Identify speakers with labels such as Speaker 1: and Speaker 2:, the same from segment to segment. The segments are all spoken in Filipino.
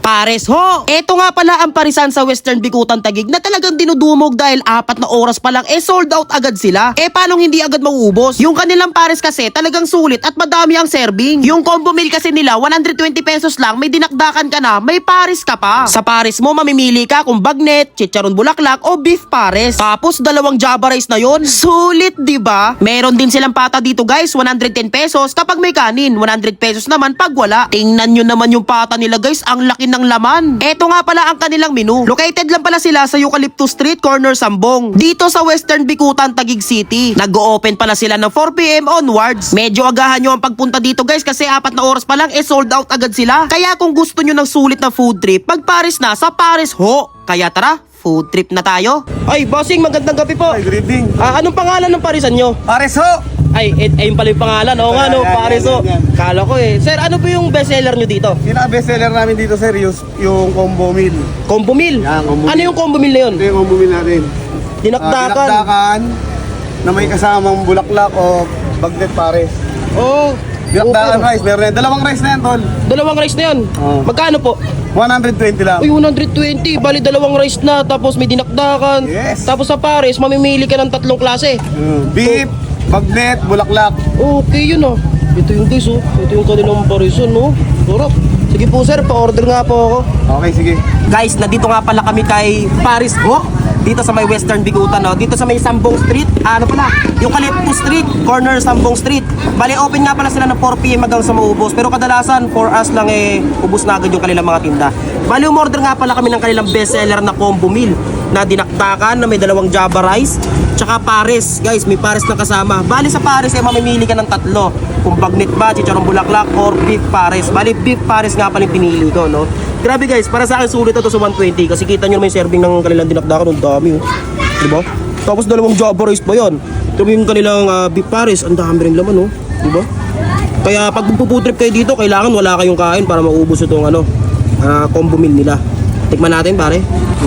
Speaker 1: Pares ho! Eto nga pala ang parisan sa Western Bikutan Taguig na talagang dinudumog dahil 4 na oras pa lang sold out agad sila. Paano hindi agad mauubos? Yung kanilang pares kasi talagang sulit at madami ang serving. Yung combo meal kasi nila 120 pesos lang, may dinakdakan ka na, may pares ka pa. Sa pares mo mamimili ka kung bagnet, chicharon bulaklak o beef pares. Tapos 2 java rice na yon. Sulit, di ba? Meron din silang pata dito guys, 110 pesos kapag may kanin, 100 pesos naman pag wala. Tingnan nyo naman yung pata nila guys, ang laki ng laman. Eto nga pala ang kanilang menu. Located lang pala sila sa Eucalyptus Street, corner Sambong. Dito sa Western Bikutan, Taguig City. Nag-o-open pala sila ng 4 PM onwards. Medyo agahan nyo ang pagpunta dito guys kasi 4 na oras pa lang sold out agad sila. Kaya kung gusto nyo ng sulit na food trip, pag Paris na, sa Paris ho. Kaya tara, food trip na tayo. Ay, bossing, magandang gabi po.
Speaker 2: Ay, good evening.
Speaker 1: Anong pangalan ng parisan nyo?
Speaker 2: Pares ho!
Speaker 1: Ay, ayun pala yung pangalan. Oo nga, no,
Speaker 2: Yan,
Speaker 1: Paris ho.
Speaker 2: yan.
Speaker 1: Kala ko Sir, ano po yung bestseller nyo dito?
Speaker 2: Pinaka-bestseller namin dito, sir, yung combo meal.
Speaker 1: Combo meal?
Speaker 2: Yan, combo
Speaker 1: Ano
Speaker 2: meal.
Speaker 1: yung combo meal na yun?
Speaker 2: Ito yung combo meal natin.
Speaker 1: Dinakdakan.
Speaker 2: Dinakdakan na may kasamang bulaklak o bagnet pares.
Speaker 1: Oh.
Speaker 2: Dinakdakan
Speaker 1: Okay.
Speaker 2: rice, meron yan. 2 rice na yan, tol.
Speaker 1: 2 rice na yan.
Speaker 2: Oo.
Speaker 1: Magkano po?
Speaker 2: 120 lang.
Speaker 1: Uy, 120. Bali 2 rice na. Tapos may dinakdakan.
Speaker 2: Yes.
Speaker 1: Tapos sa pares, mamimili ka ng 3 klase.
Speaker 2: Beef, bagnet, bulaklak.
Speaker 1: Okay, yun oh. Ito yung guys oh. Ito yung kanilang parisan oh. Sarap. Sige po sir, pa-order nga po ako.
Speaker 2: Okay, sige.
Speaker 1: Guys, nandito nga pala kami kay Paris ho. Dito sa may Western Bikutan, no? Dito sa may Sambong Street. Ano pala? Yung Eucalyptus Street, corner Sambong Street. Bali, open nga pala sila ng 4 PM hanggang sa maubos. Pero kadalasan, 4 hours lang ubos na agad yung kanilang mga tinda. Bali, umorder nga pala kami ng kanilang bestseller na combo meal na dinakdakan na may 2 java rice tsaka pares. Guys, may pares na kasama. Bali, sa pares mamimili ka ng 3. Kung bagnet ba, chicharon bulaklak, or beef pares. Bali, beef pares nga pala yung pinili ko, no? Grabe guys, para sa akin sulit ito sa 120 kasi kita nyo naman yung serving ng kanilang dinakdakan, ang dami oh. Diba? Tapos 2 java rice pa yun. Ito yung kanilang beef pares, ang dami rin laman oh. Diba? Kaya pag puputrip kayo dito, kailangan wala kayong kain para maubos itong combo meal nila. Tikman natin pare.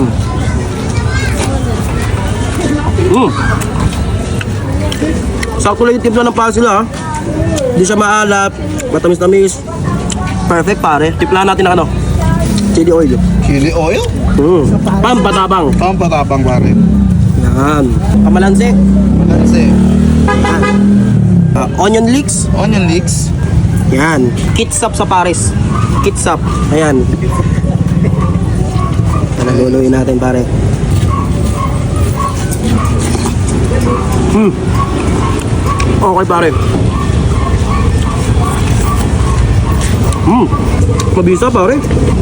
Speaker 1: Sakto lang yung timpla ng paa sila ha. Hindi siya maalat, matamis-tamis. Perfect pare. Timpla natin ng chili oil.
Speaker 2: Chili oil?
Speaker 1: Pampatabang.
Speaker 2: Pampatapang, pare.
Speaker 1: Yan. Kamalansi.
Speaker 2: Malansi.
Speaker 1: Onion leeks.
Speaker 2: Onion leeks.
Speaker 1: Yan. Kitsap sa Paris. Kitsap. Ayan. Luluin natin pare. Okay pare. Mabisa pare.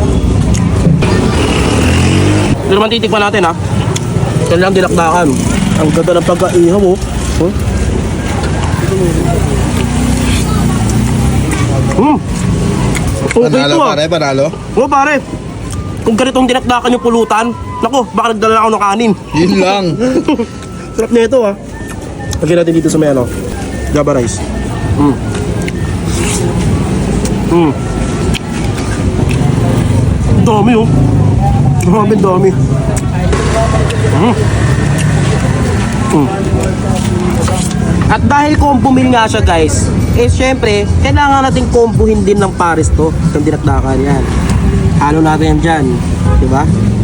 Speaker 1: Ito naman titikman natin ha. Kailangan dinakdakan. Ang ganda ng pagkaihaw oh. Okay
Speaker 2: Panalo,
Speaker 1: ito ah.
Speaker 2: pare, panalo.
Speaker 1: Oo pare. Kung ganitong dinakdakan yung pulutan, nako, baka nagdala ako ng kanin.
Speaker 2: Yun lang.
Speaker 1: Sarap na ito ah. Lagyan natin dito sa may java rice. Dami oh. Dami. At dahil combo meal nga siya guys, syempre, kailangan natin combohin din ng pares to. Itong dinakdakan yan. Halo natin yan dyan. Diba?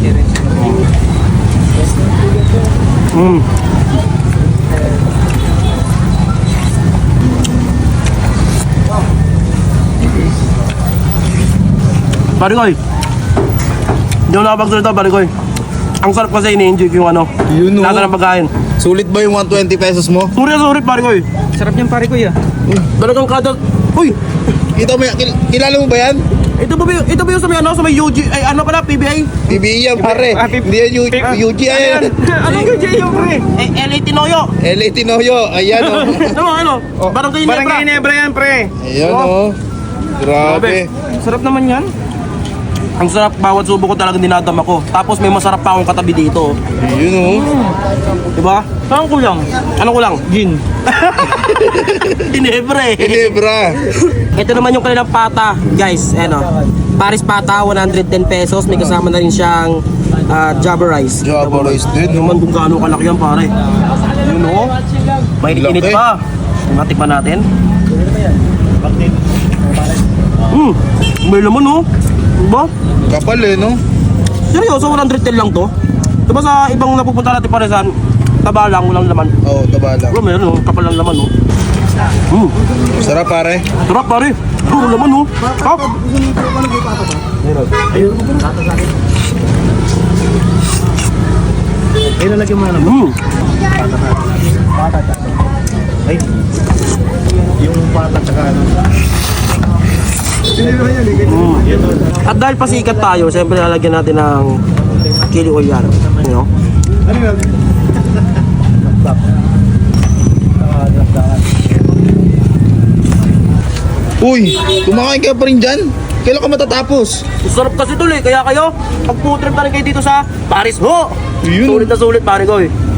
Speaker 1: Barikoy. Hindi ako nakapagsalita, Barikoy. Ang sarap kasi ini-enjoy ko yung
Speaker 2: Yun,
Speaker 1: lasa ng pagkain.
Speaker 2: Sulit ba yung 120 pesos mo?
Speaker 1: Sorry, Barikoy.
Speaker 3: Sarap niyang pare ko ya.
Speaker 1: Talagang kada... Uy!
Speaker 2: Kita mo, kilala mo ba yan?
Speaker 1: Ito ba yung sa may UG, ay ano pala, PBI?
Speaker 2: PBE yan, pare. Hindi yan UG yan.
Speaker 3: Ano yung J.O. pre?
Speaker 1: LA Tinoyo.
Speaker 2: LA Tinoyo, ayan o.
Speaker 1: Ano? Barangay Nebra.
Speaker 3: Barangay Nebra yan pre.
Speaker 2: Ayan o. Grabe.
Speaker 3: Sarap naman yan.
Speaker 1: Ang sarap, bawat subo ko talagang dinadama ko. Tapos may masarap pa akong katabi dito.
Speaker 2: Yun o.
Speaker 1: Diba?
Speaker 3: Saan kulang?
Speaker 1: Ano ko lang?
Speaker 3: Gin.
Speaker 1: Ginebre.
Speaker 2: Ginebra.
Speaker 1: Ito naman yung kanilang pata, guys. Paris pata, 110 pesos. May kasama na rin siyang java rice.
Speaker 2: Java rice din,
Speaker 1: Naman kung gaano kalaki yan, pare. Yun o. May init
Speaker 2: Laki.
Speaker 1: pa. Matikman natin. May laman o. Diba?
Speaker 2: Kapal eh, no?
Speaker 1: Seryoso, 110 lang to. Diba sa ibang napupunta natin parisan, taba lang, walang laman.
Speaker 2: Oo, taba lang.
Speaker 1: Bro, meron oh, kapal lang laman oh.
Speaker 2: Sarap pare.
Speaker 1: Sarap pare. Puro laman oh. Top.
Speaker 2: Ay, lalagyan mo na naman. Ay, yung pata tsaka ano.
Speaker 1: At dahil pasikat tayo, siyempre lalagyan natin ng chili oil yan. You know?
Speaker 2: Ano yun? Uy, kumakain ka pa rin dyan? Kailan ka matatapos?
Speaker 1: Sarap kasi tol eh, kaya kayo, pag food trip na rin kayo dito sa Paris ho!
Speaker 2: Yun.
Speaker 1: Sulit na sulit pare ko eh.